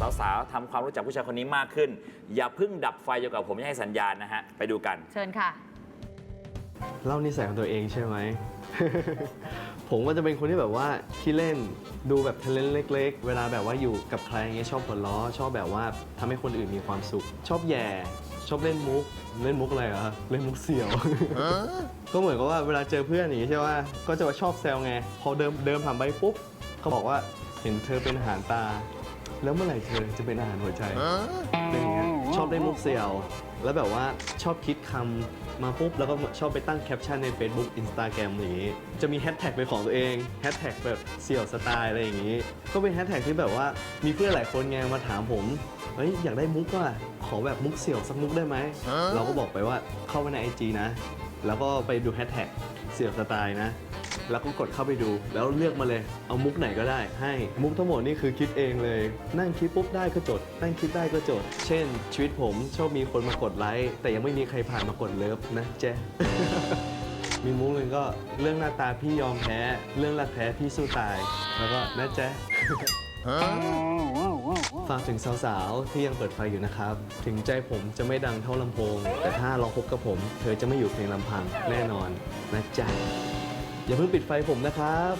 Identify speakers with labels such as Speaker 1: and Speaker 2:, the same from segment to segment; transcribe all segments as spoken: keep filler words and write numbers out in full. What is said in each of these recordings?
Speaker 1: สาวๆทำความรู้จักผู้ชายคนนี้มากขึ้นอย่าเพิ่งดับไฟจนกว่าผมจะให้สัญญาณนะฮะไปดูกัน
Speaker 2: เชิญค่ะ
Speaker 3: เล่านิสัยของตัวเองใช่ไหม ผมก็จะเป็นคนที่แบบว่าขี้เล่นดูแบบทะเลนเล็กๆเวลาแบบว่าอยู่กับใครเงี้ยชอบหัวล้อชอบแบบว่าทำให้คนอื่นมีความสุขชอบแย่ชอบเล่นมุกเล่นมุกอะไรเหรอเล่นมุกเสี่ยว ก็เหมือนกับว่าเวลาเจอเพื่อนอย่างนี้ใช่ไหมก็จะมาชอบแซวไงพอเดิมเดิมผ่านไปปุ๊บเขาบอกว่าเห็นเธอเป็นอาหารตาแล้วเมื่อไหร่เธอจะเป็นอาหารหัวใจอะไรอย่างเงี้ยชอบเล่นมุกเสี่ยวแล้วแบบว่าชอบคิดคำมาปุ๊บแล้วก็ชอบไปตั้งแคปชั่นใน Facebook Instagram อย่างนี้จะมีแฮชแท็กเป็นของตัวเองแฮชแท็กแบบเสี่ยวสไตล์อะไรอย่างนี้ก็เป็นแฮชแท็กที่แบบว่ามีเพื่อนหลายคนไงมาถามผมเฮ้ยอยากได้มุกว่ะขอแบบมุกเสี่ยวสักมุกได้ไหมเราก็บอกไปว่าเข้าไปใน ไอ จี นะแล้วก็ไปดูแฮชแท็กเสี่ยวสไตล์นะแล้วก็กดเข้าไปดูแล้วเลือกมาเลยเอามุกไหนก็ได้ให้มุกทั้งหมดนี่คือคิดเองเลยนั่งคิดปุ๊บได้ก็จดนั่งคิดได้ก็จดเช่นชีวิตผมชอบมีคนมากดไลค์แต่ยังไม่มีใครผ่านมากดเลิฟนะเจ๊ มีมุกหนึ่งก็เรื่องหน้าตาพี่ยอมแพ้เรื่องรักแท้พี่สู้ตายแล้วก็นะเจ๊ ฝากถึงสาวๆที่ยังเปิดไฟอยู่นะครับถึงใจผมจะไม่ดังเท่าลำโพงแต่ถ้าลองพบกับผมเธอจะไม่อยู่เพียงลำพังแน่นอนนะจ๊ะอย่าเพิ่งปิดไฟผมนะครับ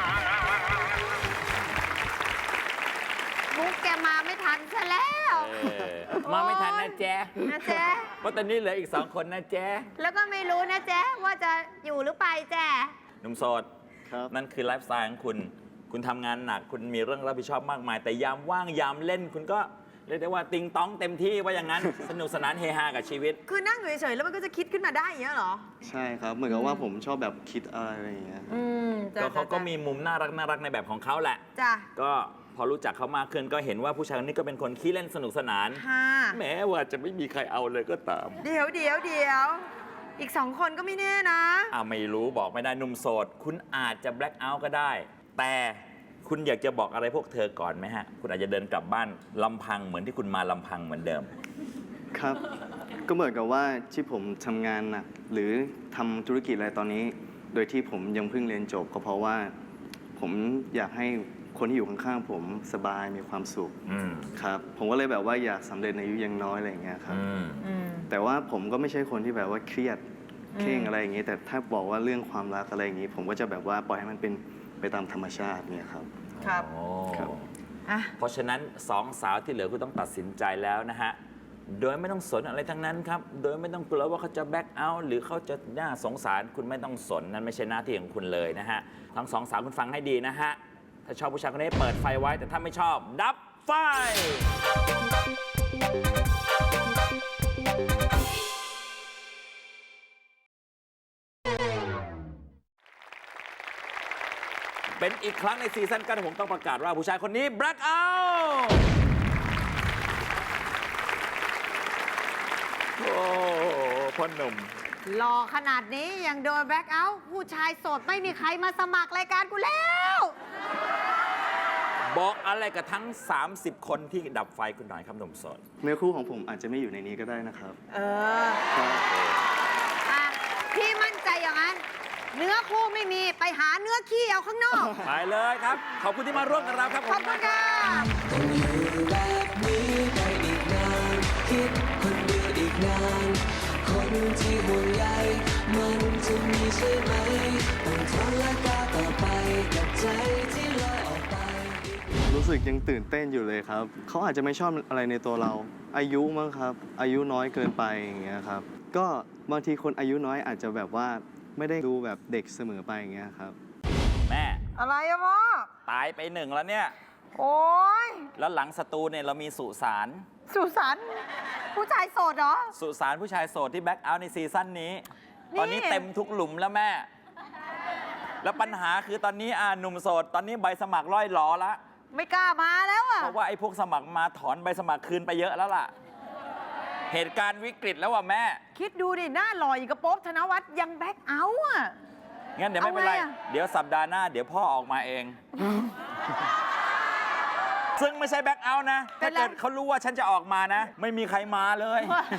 Speaker 2: มุกแกมาไม่ทันซะแล้ว
Speaker 1: มาไม่ทันนะแจ๊
Speaker 2: นะแจ๊
Speaker 1: เพราะตอนนี้เหลืออีกสองคนนะแจ๊
Speaker 2: แล้วก็ไม่รู้นะแจ๊ว่าจะอยู่หรือไปแจ๊
Speaker 1: หนุ่มโสดนั่นคือไลฟ์สไตล์ของคุณคุณทำงานหนักคุณมีเรื่องรับผิดชอบมากมายแต่ยามว่างยามเล่นคุณก็เรียกได้ว่าติงต้องเต็มที่ว่าอย่างนั้น สนุกสนานเฮฮากับชีวิต
Speaker 2: คือนั่งอยู่เฉยๆแล้วมันก็จะคิดขึ้นมาได้อย่างเงี้ยเหรอ
Speaker 3: ใช่ครับเหมือนกับว่าผมชอบแบบคิดอะไรอย่างเงี้ย
Speaker 1: ก็เขาก็มีมุมน่ารักน่ารักในแบบของเขาแหละ
Speaker 2: จ้ะ
Speaker 1: ก็พอรู้จักเขามากขึ้นก็เห็นว่าผู้ชายคนนี้ก็เป็นคนขี้เล่นสนุกสนานแม้ว่าจะไม่มีใครเอาเลยก็ตาม
Speaker 2: เดี๋ยวเดี๋ยวเดี๋ยวอีกสองคนก็ไม่แน่นะ
Speaker 1: อ่าไม่รู้บอกไม่ได้หนุ่มโสดคุณอาจจะแบล็คเอาท์ก็ได้แต่คุณอยากจะบอกอะไรพวกเธอก่อนไหมฮะคุณอาจจะเดินกลับบ้านลำพังเหมือนที่คุณมาลำพังเหมือนเดิม
Speaker 3: ครับก็เหมือนกับว่าที่ผมทำงานหนักหรือทำธุรกิจอะไรตอนนี้โดยที่ผมยังเพิ่งเรียนจบก็เพราะว่าผมอยากให้คนที่อยู่ข้างๆผมสบายมีความสุขครับผมก็เลยแบบว่าอยากสำเร็จในอายุยังน้อยอะไรอย่างเงี้ยครับแต่ว่าผมก็ไม่ใช่คนที่แบบว่าเครียดเคร่งอะไรอย่างเงี้ยแต่ถ้าบอกว่าเรื่องความรักอะไรอย่างงี้ผมก็จะแบบว่าปล่อยให้มันเป็นไปตามธรรมชาติเนี่ยครับ
Speaker 2: ครับ
Speaker 1: ครับเพราะฉะนั้นสองสาวที่เหลือคุณต้องตัดสินใจแล้วนะฮะโดยไม่ต้องสนอะไรทั้งนั้นครับโดยไม่ต้องกลัวว่าเขาจะแบ็คเอาท์หรือเขาจะน่าสงสารคุณไม่ต้องสนนั่นไม่ใช่หน้าที่ของคุณเลยนะฮะทั้งสองสาวคุณฟังให้ดีนะฮะถ้าชอบผู้ชายคนนี้เปิดไฟไว้แต่ถ้าไม่ชอบดับไฟเป็นอีกครั้งในซีซั่นกันผมต้องประกาศว่าผู้ชายคนนี้แบล็คเอาท์โอ้พ่อหนุ่ม
Speaker 2: หล่อขนาดนี้ยังโดนแบล็คเอาท์ผู้ชายโสดไม่มีใครมาสมัครรายการกูแล้ว
Speaker 1: บอกอะไรกับทั้งสามสิบคนที่ดับไฟคุณหน่อยครับหนุ่มโสด
Speaker 3: เนื้อคู่ของผมอาจจะไม่อยู่ในนี้ก็ได้นะครับ
Speaker 2: เอออ่ะพี่มั่นใจอย่างนั้นเนื้อคู่ไม่มีไปหาเนื้อขี้เอาข้างนอก
Speaker 1: ไปเลยครับขอบคุณที่มาร่วมกับเราครับ
Speaker 2: ขอบคุณค่ะ
Speaker 4: ต้องอยู่แบบนี้ไปอีกนานคิดคนเดียวอีกนานคนที่ห่วงใยมันจะมีใช่ไหมต้องทนและก้าวต่อไปกับใจที่ลอยออกไป
Speaker 3: รู้สึกยังตื่นเต้นอยู่เลยครับเขาอาจจะไม่ชอบอะไรในตัวเราอายุมั้งครับอายุน้อยเกินไปอย่างเงี้ยครับก็บางทีคนอายุน้อยอาจจะแบบว่าไม่ได้ดูแบบเด็กเสมอไปอย่างเงี้ยครับ
Speaker 1: แม่
Speaker 2: อะไรอะพ่อ
Speaker 1: ตายไปหนึ่งแล้วเนี่ย
Speaker 2: โอ้ย
Speaker 1: แล้วหลังสตูเนี่ยเรามีสุสาน
Speaker 2: สุสานผู้ชายโสดเหรอ
Speaker 1: สุสานผู้ชายโสดที่แบ็คเอาท์ในซีซั่นนี้ตอนนี้เต็มทุกหลุมแล้วแม่แล้วปัญหาคือตอนนี้อ่าหนุ่มโสดตอนนี้ใบสมัครร่อยหลอแล้ว
Speaker 2: ไม่กล้ามาแล้วอะ
Speaker 1: เพราะว่าไอ้พวกสมัครมาถอนใบสมัครคืนไปเยอะแล้วล่ะเหตุการณ์วิกฤตแล้วว่ะแม่
Speaker 2: คิดดูดิหน้าหล่ออย่างกระโป๊บธนวัฒน์ยังแบ็คเอาท์อ่ะ
Speaker 1: งั้นเดี๋ยวไม่เป็นไรเดี๋ยวสัปดาห์หน้าเดี๋ยวพ่อออกมาเองซึ่งไม่ใช่แบ็คเอาท์นะถ้าเกิดเขารู้ว่าฉันจะออกมานะไม่มีใครมาเลย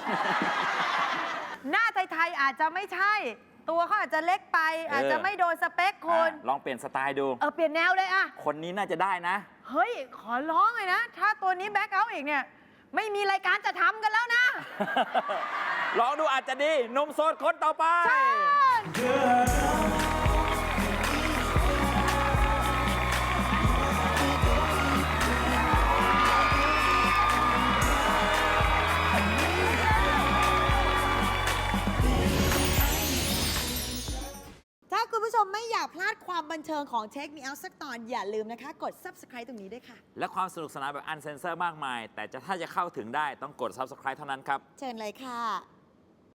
Speaker 2: หน้าไทยๆอาจจะไม่ใช่ตัวเขาอาจจะเล็กไปอาจจะไม่โดนสเปคคน
Speaker 1: ลองเปลี่ยนสไตล์ดู
Speaker 2: เออเปลี่ยนแนวเลยอะ
Speaker 1: คนนี้น่าจะได้นะ
Speaker 2: เฮ้ย ขอร้องเลยนะ ถ้าตัวนี้แบ็คเอาท์อีกเนี่ย ไม่มีรายการจะทำกันแล้วนะ
Speaker 1: ลองดูอาจจะดีหนุ่มโสดคนต่อไป
Speaker 2: ถ้าคุณผู้ชมไม่อยากพลาดความบันเทิงของเทคมีเอาสักตอนอย่าลืมนะคะ กด Subscribe ตรงนี้ด้วยค่ะ
Speaker 1: และความสนุกสนานแบบอันเซนเซอร์มากมาย แต่จะถ้าจะเข้าถึงได้ต้องกด ซับสไครบ์ เท่านั้นครับ
Speaker 2: เชิญเลยค่ะ